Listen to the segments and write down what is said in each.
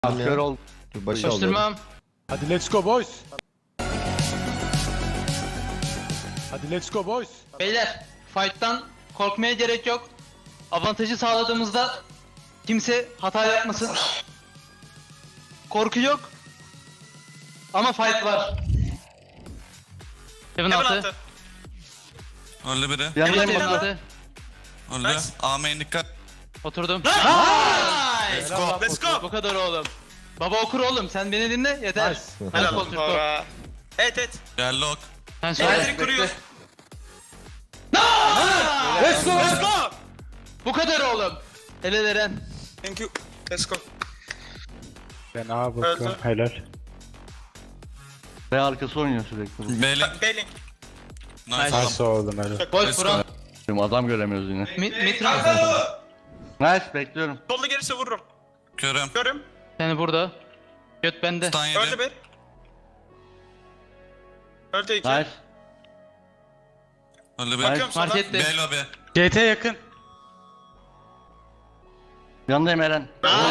Kör ol. Başı alıyorum. Koşturmam. Hadi let's go boys. Hadi let's go boys. Beyler, fight'tan korkmaya gerek yok. Avantajı sağladığımızda kimse hata yapmasın. Korku yok. Ama fight var. Heaven altı. Öldü biri. Yanındayım Heaven baba. altı. Öldü. Amen dikkat. Oturdum. Let's Nice. Let's go. Bu kadar oğlum. Baba okur oğlum, sen beni dinle yeter. Nice. Hadi kol Türko. Evet. Gel lock. Sen söyle. Elektrik kuruyor. Let's go. Let's go. Bu kadar oğlum. Helal Eren. Thank you. Let's go. Ben ağa bakıyorum. Öldü. Helal. Ve arkası oynuyor sürekli. Bailing. Bailing. Nice. Nice. Nasıl oldum helal. Boş Let's Buran. Adam göremiyoruz yine. Mitran. Nice, bekliyorum. Solda gelirse vururum. Körüm. Görüm. Seni burada. Göt bende. Stun Öldü yedi. bir. Öldü iki. Nice. Öldü bir. Bakıyorum sola. Markette. B lobby. GT yakın. Yanındayım Eren.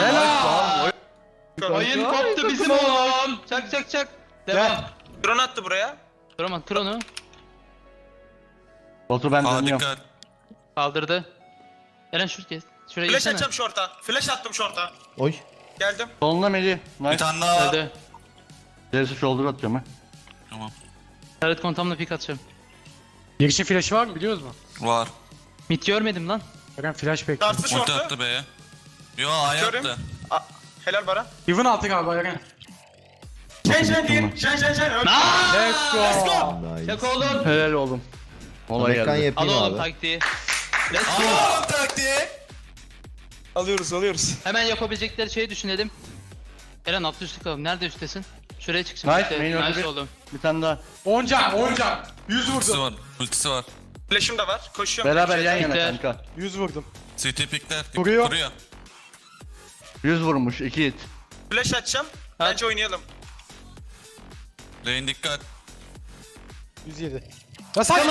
Oyun koptu bizim oğlum. Çak çak çak. Devam. Drone attı buraya. Duramam. Kır onu. Botu ben A dönüyorum. dikkat. Kaldırdı. Eren şuraya Flash gitsene. atacağım short'a. Flash attım short'a. Oy. Geldim. Solunda Melih. Bir Nice. tane daha. Öldü. Gerisi shoulder atıyorum ha. Tamam. Taret kontamla pik atacağım. Girişin flash'ı var mı biliyoruz mu? Var. Mit görmedim lan. Bakın flash bekliyorum. Dartsı Ulti short'u. attı B'ye. Yo A'ya Görüm. attı. Helal Baran. Even altı galiba yakın. Şen değil. Şen. Öldü. Let's go. Nice. Çak oğlum. Helal oğlum. Olay Ekran geldi. Al yapayım oğlum abi. taktiği. Let's go. Taktiği. Alıyoruz. Hemen yapabilecekleri şeyi düşünelim. Eren altı üstü kalalım. Nerede üsttesin? Şuraya çık şimdi. Nice, işte. main öldü Nice bir. oğlum. Bir tane daha. 10 can 10 can. 100 Ultisi vurdum. var. Ultisi var. Flash'ım da var. Koşuyorum. Beraber yan yana Bekle. kanka. 100 vurdum. CT pikler. Vuruyor. Kuruyor. 100 vurmuş, 2 hit. Flash atacağım. Bence oynayalım. Rain dikkat. 107. Ya sen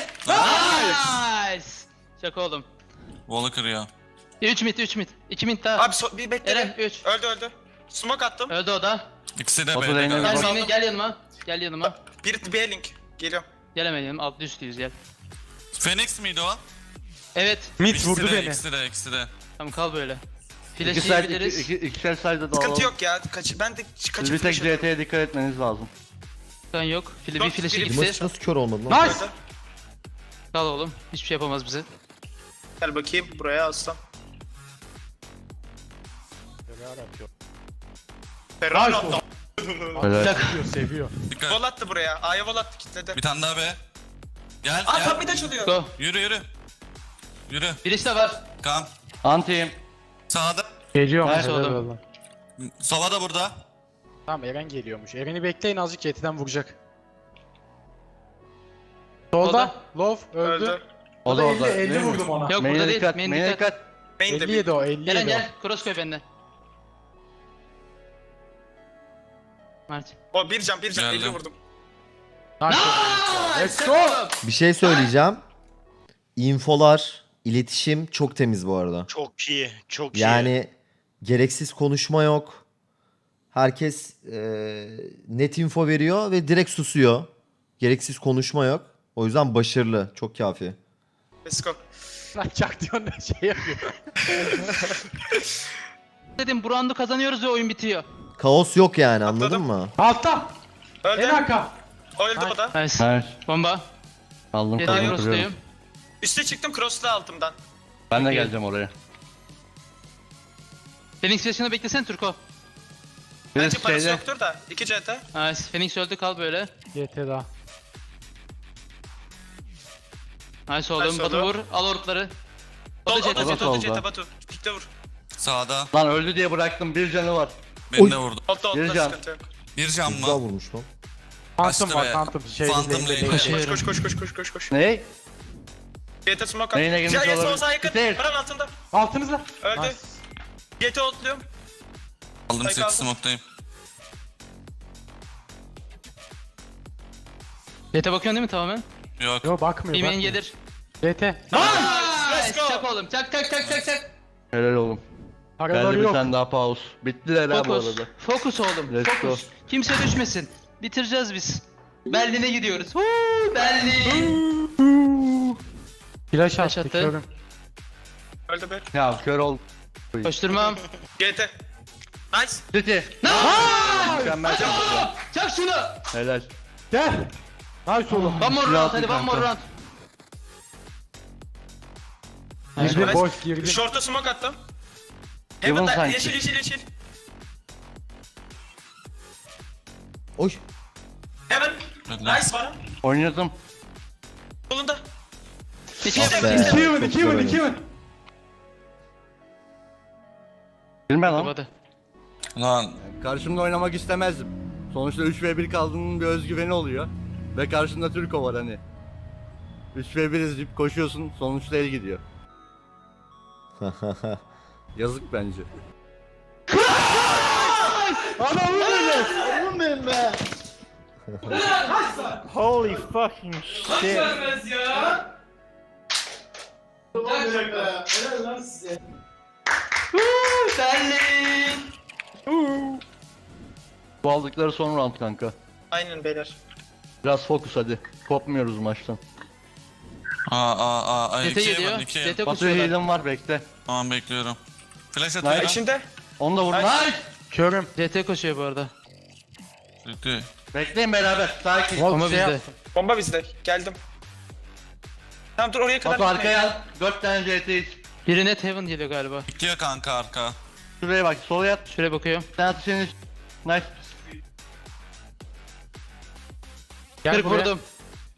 Nice. Çak oğlum. Wall'ı kırıyor. 3 mit 3 mit. 2 mit daha. Abi bir bekle. Eren 3. Öldü. Smoke attım. Öldü o da. İkisi de Batu B'de Rain'e galiba. bak. Gel, gel yanıma. Gel yanıma. Bir B-Link. Geliyorum. Gelemedim. Alt üstüyüz gel. Phoenix miydi o? Evet. Mid İkisi vurdu de, beni. ikisi de. Tamam kal böyle. İki Flash side, yiyebiliriz. ikişer side'da Sıkıntı dağılalım. yok ya. Ben de Siz kaçıp bir tek flash atıyorum. CT'ye dikkat etmeniz lazım. Kan yok. Bir Yok, flash'e biri- gitti. Maç nasıl kör olmadı lan? Nice. Kal oğlum. Hiçbir şey yapamaz bize. Gel bakayım buraya aslan. Ferrari Nice attı. Helal. Seviyor seviyor. Dikkat. Vol attı buraya. A'ya vol attı kitledi. Bir tane daha B. Gel Aa gel. top mid açılıyor. Go. Yürü. Yürü. Birisi de var. Kam. Anti'yim. Sağda. Geliyorum. Nice helal oğlum. olsun. Sova da burada. Tamam Eren geliyormuş. Eren'i bekleyin azıcık GT'den vuracak. Solda. Love öldü. Öldü. O da orada. 50 vurdum ona. Yok Main'e burada değil. dikkat, Main main'e dikkat. dikkat. Main de 57 o 57 Eren o. gel. Cross koy benden. Mert. O bir can 50 Geldim. vurdum. Nice. Let's go. Bir şey söyleyeceğim. Infolar, iletişim çok temiz bu arada. Çok iyi, çok iyi. Yani gereksiz konuşma yok. Herkes net info veriyor ve direkt susuyor. Gereksiz konuşma yok. O yüzden başarılı. Çok kafi. Let's go. Lan çak diyorsun da şey yapıyor. Dedim bu roundu kazanıyoruz ve oyun bitiyor. Kaos yok yani anladın Atladım. mı? Altta. Öldü. En arka. Öldü o da. Nice. Nice. Bomba. Aldım Yeter konuyu cross'tayım. kuruyorum. Üste çıktım cross'ta altımdan. Ben de Okey. geleceğim oraya. Phoenix flash'ını beklesene Turko. Bence Birisi parası şeyde. yoktur da. 2 CT. Nice. Phoenix öldü kal böyle. GT daha. Nice oğlum. Nice Batu oldu. vur. Al orkları. O Sol da o da CT. CT o da solda. CT Batu. Pikte vur. Sağda. Lan öldü diye bıraktım, bir canı var. Beni de vurdu. Altta Bir can. sıkıntı yok. Bir can Güzel mı? vurmuş lan. Phantom Açtı var be. Phantom. Şey, Phantom lane, lane. lane. Koşuyorum. Koş. Ne? CT smoke at. Neyine girmiş Ya sol olabilir? sağ yakın. Bitir. Paran altında. Altınızda. Öldü. Nice. CT otluyorum. Aldım Spike seti aldım. smoke'tayım. CT bakıyorsun değil mi tamamen? Yok. Yo bakmıyor. Bir main bakmıyor. gelir. GT. Let's Nice. go. Çak oğlum. Çak. Helal oğlum. Paraları Geldi bir yok. tane daha pause. Bittiler ha bu Fokus. arada. Fokus oğlum. Let's Fokus. Kimse düşmesin. Bitireceğiz biz. Berlin'e gidiyoruz. Huu, Berlin. Flash Flash attı attı. körüm. Öldü be. Ya kör ol. Koşturmam. GT. Nice. City. Mükemmel. Çak şunu. Helal. Gel. Nice oğlum. One more Silah round hadi one more kanka. round. Girdi Nice. boş girdi. Short'a smoke attım. Heaven Heaven'da sanki. yeşil yeşil yeşil. Oy. Heaven. Öldü. Nice bana. Oynadım. Solunda. İki Ah tek be. iki tek. 2 win, 2 Çok win, güzel 2 win. Bilme lan. Kapadı. Lan Karşımda oynamak istemezdim. Sonuçta 3v1 kaldığının bir özgüveni oluyor. Ve karşında Türko var hani. 3v1 izleyip koşuyorsun, sonuçta el gidiyor. Yazık bence. Holy fucking shit. Berlin. Bu aldıkları son round kanka. Aynen beyler. Biraz fokus hadi. Kopmuyoruz maçtan. ay Zete 2'ye geliyor. bak 2'ye. Zete Batu koşuyorlar. heal'im var bekle. Tamam bekliyorum. Flash Nice. atıyorum. İçinde. Onu da vur. Nice. Nice. Körüm. CT koşuyor bu arada. Bitti. Bekleyin beraber. Sakin. Oğlum, Ama şey bizde. yaptım. Bomba bizde. Geldim. Tamam dur oraya kadar Batu gitmeyin. arkaya al. 4 tane CT'yiz. Biri net heaven geliyor galiba. Bitiyor kanka arka. Şuraya bak. Sola yat. Şuraya bakıyorum. Sen at senin. Nice. Gel 40 buraya. vurdum.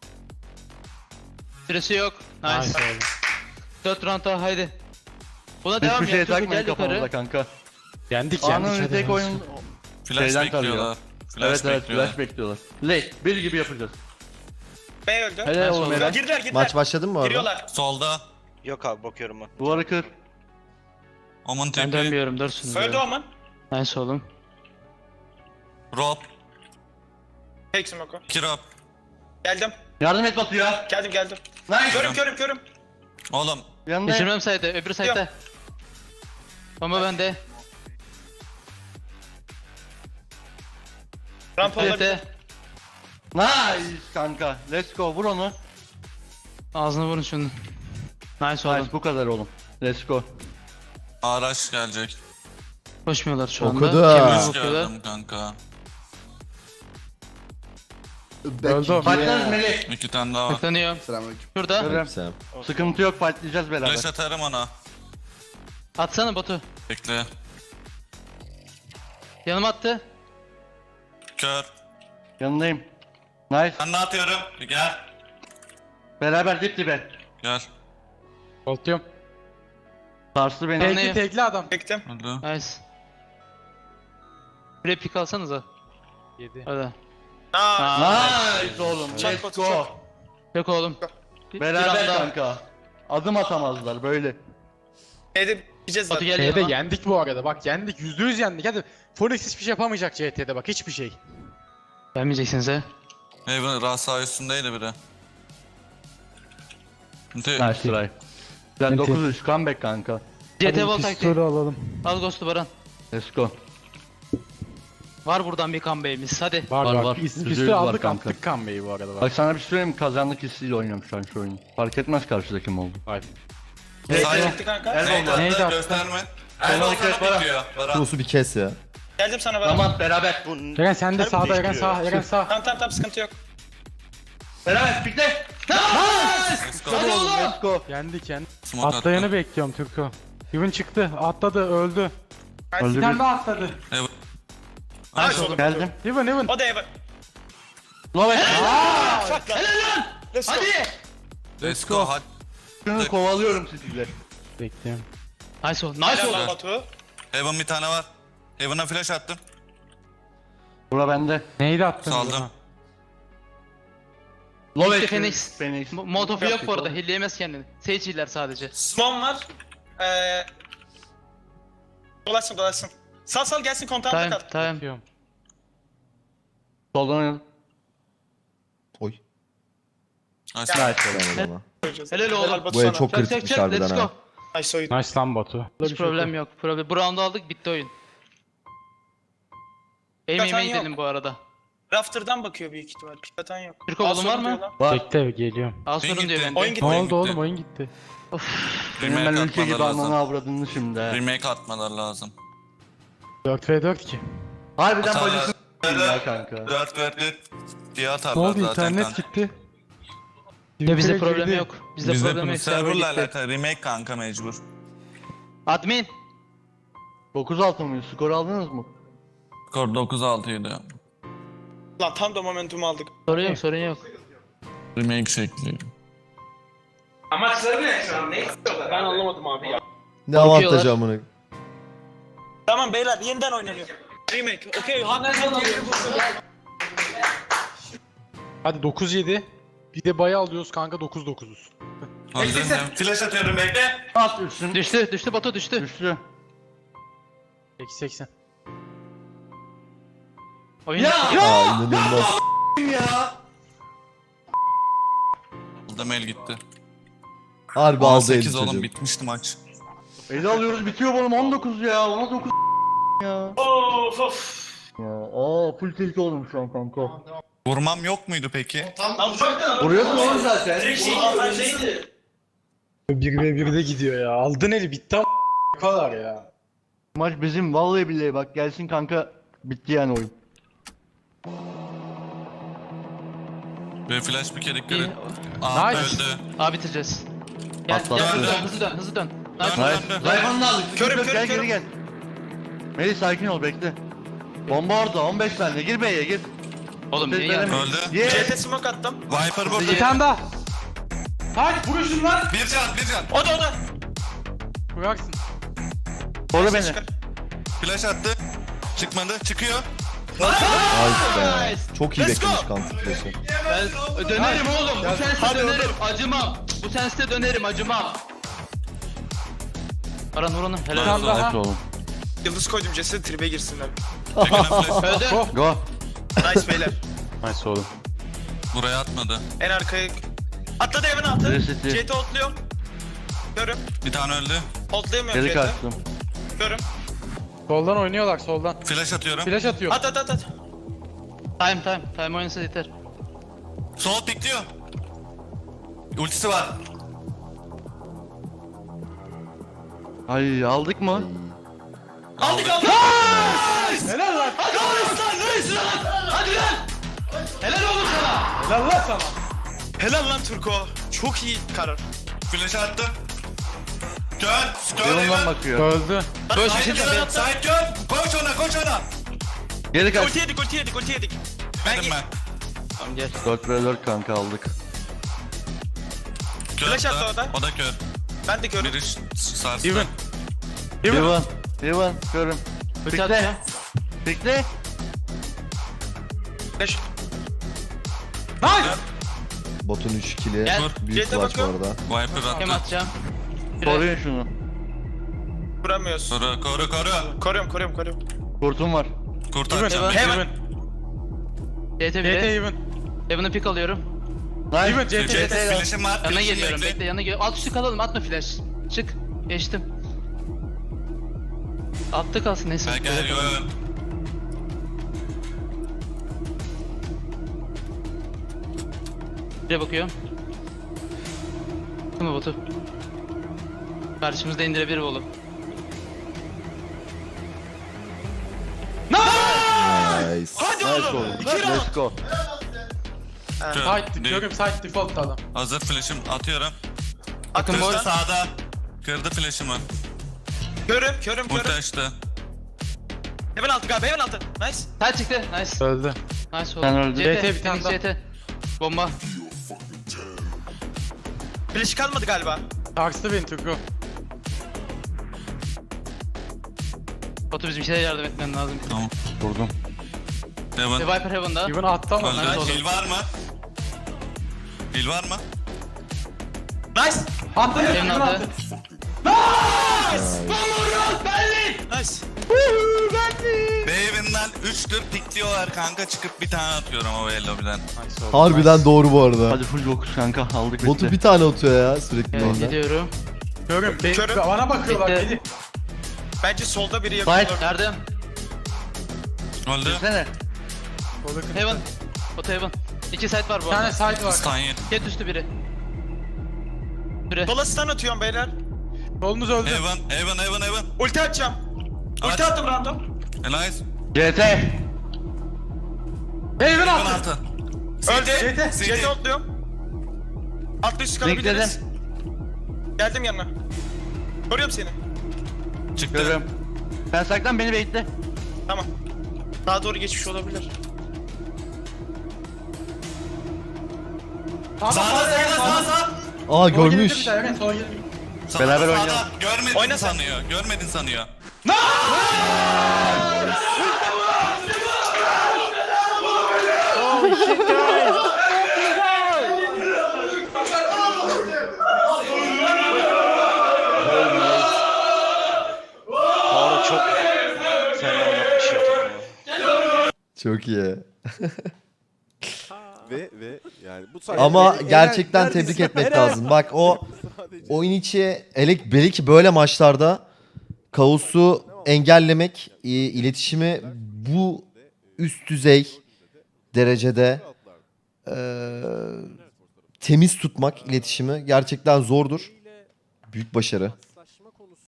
Süresi yok. Nice. Nice oğlum. 4 round daha haydi. Buna devam Hiçbir şey yap. Çocuk takmayın gel yukarı. kafamıza kanka. Yendik Anın yendik. hadi. tek oyun. Flash Şeyden bekliyorlar. Flash Evet evet bekliyorlar. flash bekliyorlar. Late. Bir gibi yapacağız. B öldü. Helal oğlum sonra. helal. Girdiler. Maç başladı mı bu arada? Giriyorlar. Solda. Yok abi bakıyorum ben. Duvarı kır. Omun Ben tepi. dönmüyorum. Dursunuz. Öldü ya. Oman. Nice oğlum. Rob. Take smoke'u. 2 Rob. Geldim. Yardım et Batu ya. Geldim. Nice. Körüm. Oğlum. Yanında. Geçirmem sayede. Öbür sayede. Bomba bende. Ramp olabilir. CT. Nice kanka. Let's go. Vur onu. Ağzına vurun şunu. Nice oğlum. Nice bu kadar oğlum. Let's go. Araç gelecek. Koşmuyorlar şu anda. Okudu. Kemiğe Hiç bakıyorlar. gördüm kanka. Öldü. Fightlarız Melih. 2 tane daha var. Baklanıyor. Şurada. Görüyorum. Selam. Sıkıntı yok fightlayacağız beraber. Flash atarım ona. Atsana Batu. Bekle. Yanıma attı. Kör. Yanındayım. Nice. Ben ne atıyorum? Gel. Beraber dip dibe. Gel. Koltuyorum. Sarstı beni. Tamam. Tekli tekli adam. Çektim. Öldü. Nice. Buraya pik alsanıza. 7. Hadi. Nice oğlum. Çak Let's Batu, go. Yok oğlum. Bir Beraber anda. kanka. Adım atamazlar böyle. B'de gideceğiz Batu zaten. gel Şeyde yanıma. yendik bu arada. Bak yendik. %100 yendik. Hadi. Phoenix hiçbir şey yapamayacak CT'de bak. Hiçbir şey. Gelmeyeceksiniz ha. Haven rasa üstündeydi biri. Bitti. Nice try. Sen 9-3 comeback kanka. CT vol taktiği. alalım. Al Ghost'u Baran. Let's go. Var buradan bir comeback'imiz hadi. Var Var, var. var. Üstü %100 var aldık kanka. attık Kanbe'yi bu arada. Bak sana bir şey söyleyeyim mi? Kazandık hissiyle oynuyorum şu an şu oyunu. Fark etmez karşıda kim oldu. Hayır. B'de çekti kanka. Neydi Neydi attı? attı? Gösterme. Sonra Elbow dikkat sana bana. bitiyor. Baran. Şusu bir kes ya. Geldim sana bana. Tamam beraber. Bu Eren sen de Sen sağda mi Eren bekliyor? sağ Eren sağ. Tamam sıkıntı yok. Beraber pikle. Let's go. Hadi oğlum let's go. Yendik yendik. Smoke Atlayanı attı. bekliyorum Türko. Yuvun çıktı. Atladı öldü. Öldü Bir bir. tane daha atladı. Haven. Nice oğlum. Geldim. Yuvun. O da Evan. Lovet. Let's go. Let's go. Hadi. Şunu kovalıyorum sizinle. Bekliyorum. Nice ol. Nice Helal ol. lan Batu. Haven bir tane var. Haven'a flash attım. Bura bende. Neydi attın? Saldım. Lovet. Phoenix. Phoenix. Molotov yok bu arada. Hilleyemez kendini. Sage hiller sadece. Smom var. Dolaşsın. Sal gelsin kontağımda Tamam kal. tamam. Bekliyorum. Soldan oynayalım. Oy. Nice. Nice. Helal adama. Helal oğlum. Batu Bu el sana. çok Çak çak kritikmiş çak. harbiden Let's ha. go. Nice oyun. Nice lan Batu. Hiç problem yok. Bu round'u aldık, bitti oyun. Aim Zaten aim'e yok. gidelim bu arada. Rafter'dan bakıyor büyük ihtimal. Pikaten yok. Türk oğlum var mı? Bekle geliyorum. Az sorun gitti. diyor bende. Oyun gitti. Ne Oyun oldu gitti. oğlum, oyun gitti. Benim ben Remake ülke gibi atmaları almamı lazım. avradını şimdi. he. Remake atmaları lazım. 4v4 ki. Harbiden Atarlar. bacısını ya kanka. 4 verdi diye Ne atarlar oldu, zaten internet kanka. gitti. Ya bizde Twitter'a problem girdi. yok. Bizde problem yok. Server Server'la gitti. alakalı remake kanka mecbur. Admin. 9-6 mıyız? Skor aldınız mı? Skor 9-6'ydı. Lan tam da momentumu aldık. Sorun yok, sorun yok. Remake şekli. Amaçları ne şu an? Ne istiyorlar? Ben anlamadım abi ya. Ne avantajı amına. Tamam beyler yeniden oynanıyor. Remake. Okey. Hadi 9-7. Bir de bayı alıyoruz kanka, 9-9'uz. Hazır mı? Flash atıyorum bekle. At üstün. Düştü Batu düştü. Düştü. Eksi 80. Oyun Aa inanılmaz. Aldım el gitti. Harbi aldı 8 eli oğlum çocuk. bitmişti maç. Eli alıyoruz bitiyor oğlum 19 ya. 19 ya. Of of. Ya full tilt oldum şu an kanka. Vurmam yok muydu peki? Vuruyorsun oğlum zaten. Direkt şey avantajıydı. 1v1'de gidiyor ya. Aldın eli, bitti ama ne kadar ya. Maç bizim vallahi billahi bak gelsin kanka. Bitti yani oyun. Ve flash bir kere dikkat İyi. et. Aa Nice. öldü. Abi bitireceğiz. Gel, Atla, gel atla. hızlı dön. Dön, Nice. dön, dön. Zayfan'ı aldık. Körüm, Gel körüm, geri körüm. gel. Melih sakin ol bekle. Bomba orada 15 saniye gir B'ye gir. Oğlum niye geldin? Öldü. Ye. CT smoke attım. Viper burada. Bir tane daha. Hadi vuruşun lan. Bir can. O da. Vurarsın. Koru beni. Çıkar. Flash attı. Çıkmadı. Çıkıyor. Nice be. Çok iyi Let's go. beklemiş kanka flash'ı. Ben dönerim oğlum. Bu senste Hadi dönerim. Acımam. Bu senste dönerim. Acımam. Aran vur onu. Helal Tamam, olsun. daha. Evet oğlum. Yıldız koydum ceset tribe girsinler. Çekene flash. Öldü. Go. Nice beyler. Nice oğlum. Buraya atmadı. En arkaya. Atladı evine attı. Reset'i. CT otluyorum. Görüm. Bir tane öldü. Otlayamıyorum Geri CT. kaçtım. Görüm. Soldan oynuyorlar, soldan. Flash atıyorum. Flash atıyor. At. Time oynasa yeter. Sol pikliyor. Ultisi var. Ay aldık mı? Aldık. Helal lan. Helal oğlum sana. Helal lan sana. Helal lan Turko. Çok iyi karar. Flash attı. Kör. Yanından bakıyor. Öldü. Böyle bir şey Sait kör. Sait kör. Koş ona. Geri kaç. Ulti yedik. Verdim ben. Tamam gel. 4 ve 4 kanka aldık. Kör Flash attı o da. O da kör. Ben de görüm. Biri sarstı. Even. Divan. Görün. Bıçak atıyor. Bekle. Flash. Nice. Botun 3 kili. Gel. Büyük Jet'e clutch bu bakıyorum. arada. Viper Hem attı. atacağım. Koruyun şunu. Vuramıyoruz. Koru. Koruyorum. Kurtum var. Kurtaracağım. Hemen. bekle. Hemen. CT CT 1'e. even. Evan'ı pick alıyorum. Nice. Even CT. CT flash'im var. Yanına flash'im geliyorum. Bekle yanına geliyorum. Alt üstü kalalım. Atma flash. Çık. Geçtim. Altta kalsın neyse. Gel. Buraya bakıyorum. Değil mi botu? Karşımızda indirebilir oğlum. Nice. Hadi Nice oğlum. oğlum. 2 round. Let's go. Side, görüm side default adam. Hazır flash'im atıyorum. Bakın Kırdı boy. sağda. Kırdı flash'ımı. Körüm. Ulti açtı. Hemen altı galiba. Hemen altı. Nice. Side çıktı. Nice. Öldü. Nice Sen oğlum. öldün. CT bir tane Phoenix daha. CT. Bomba. Flash kalmadı galiba. Tarstı beni Turko. Botu bizim şeylere yardım etmen lazım. Tamam. Vurdum. Devam. Viper Heaven'da. Even attı ama. Öldü. Nice. Heal var mı? Heal var mı? Nice. Attı. Heaven Even aldı. attı. Nice. Baven'den 3'tür pikliyorlar kanka, çıkıp bir tane atıyorum o lobiden. Nice oldu. Harbiden doğru bu arada. Hadi full 9 kanka aldık Botu bitti. bir tane atıyor ya sürekli Evet, orada. gidiyorum. Görüyorum. Körüm. Bana bakıyorlar. Bitti. Melih. Bence solda biri yakın Fight olabilir. nerede? Öldü. Düşsene. Solda kırk. Heaven. Oto Heaven. 2 side var Bir bu tane arada. side var. Stun yedi. Jet üstü biri. Biri. Sola stun atıyorum beyler. Solunuz öldü. Heaven. Ulti atacağım. Ulti Aç. attım random. Elias. CT. Heaven Heaven attı. altı. Öldü. CT. CT otluyorum. Atlı üstü kalabiliriz. Geldim yanına. Koruyorum seni. Çıktı. Görüyorum. Ben saklan beni bekle. Tamam. Daha doğru geçmiş olabilir. Tamam, Sağda. Aa görmüş. Evet, sola gelir. Beraber Sağda. oynayalım. Görmedin Oyna sen. sanıyor. Görmedin sanıyor. Harun çok fena yapmış ya takımı. Çok iyi. Ve yani bu sayede Ama Eren gerçekten neredesin? tebrik etmek Eren! lazım. Bak o Sadece- oyun içi belki böyle maçlarda kaosu engellemek, iletişimi bu üst düzey derecede temiz tutmak iletişimi gerçekten zordur. Büyük başarı.